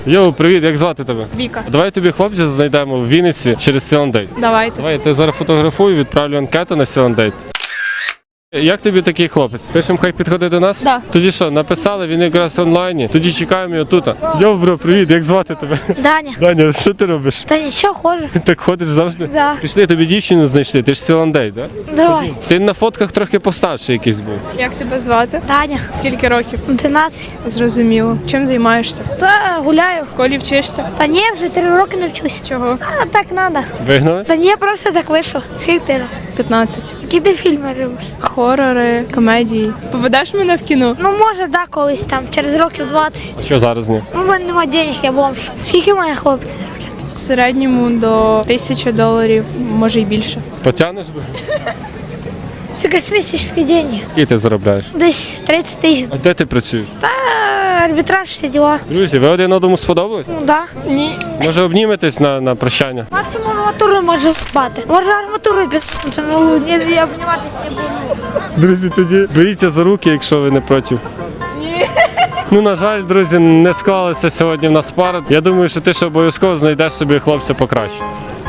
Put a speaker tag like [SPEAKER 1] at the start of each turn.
[SPEAKER 1] Йоу, привіт, як звати тебе?
[SPEAKER 2] Віка.
[SPEAKER 1] Давай тобі хлопця знайдемо в Вінниці через Silendate.
[SPEAKER 2] Давайте.
[SPEAKER 1] Давай, я тебе зараз фотографую, відправлю анкету на Silendate. Як тобі такий хлопець? Пишемо, хай підходить до нас?
[SPEAKER 2] Да.
[SPEAKER 1] Тоді що, написали, він якраз онлайні. Тоді чекаємо його тут. Йоу, бро, привіт, як звати тебе?
[SPEAKER 3] Даня.
[SPEAKER 1] Даня, що ти робиш?
[SPEAKER 3] Та нічого, хожу.
[SPEAKER 1] Так ходиш завжди?
[SPEAKER 3] Да.
[SPEAKER 1] Пішли, тобі дівчину знайшли, ти ж Silendate, да?
[SPEAKER 3] Давай.
[SPEAKER 1] Ти на фотках трохи постарший якийсь був.
[SPEAKER 2] Як тебе звати?
[SPEAKER 3] Даня.
[SPEAKER 2] Скільки років?
[SPEAKER 3] 12.
[SPEAKER 2] Зрозуміло. Чим займаєшся?
[SPEAKER 3] Та гуляю.
[SPEAKER 2] В школі вчишся?
[SPEAKER 3] Та ні, вже 3 роки не вчусь.
[SPEAKER 2] Чого?
[SPEAKER 3] А так надо.
[SPEAKER 1] Вигнали?
[SPEAKER 3] Та ні, просто так вийшов. Скільки ти років?
[SPEAKER 2] 15.
[SPEAKER 3] Які ти фільми любиш?
[SPEAKER 2] Хорори, комедії. Поведеш мене в кіно?
[SPEAKER 3] Ну може, да, колись там, через років 20.
[SPEAKER 1] А що зараз ні?
[SPEAKER 3] Ну, в мене нема денег, я бомж. Скільки має хлопці?
[SPEAKER 2] В середньому до $1000, може й більше.
[SPEAKER 1] Потягнеш би?
[SPEAKER 3] Це космічні деньги.
[SPEAKER 1] Скільки ти заробляєш?
[SPEAKER 3] Десь 30 тисяч.
[SPEAKER 1] А де ти працюєш?
[SPEAKER 3] Та арбітраж, всі діла.
[SPEAKER 1] Друзі, ви один одному сподобались?
[SPEAKER 3] Ну да.
[SPEAKER 2] Ні.
[SPEAKER 1] Може обніметесь на прощання?
[SPEAKER 3] Максимум арматуру може вбати. Може арматуру підсунути, ну ні, я обніматися не буду.
[SPEAKER 1] Друзі, тоді беріться за руки, якщо ви не проти.
[SPEAKER 2] Ні.
[SPEAKER 1] Ну, на жаль, друзі, не склалися сьогодні в нас пара. Я думаю, що ти ще обов'язково знайдеш собі хлопця покраще.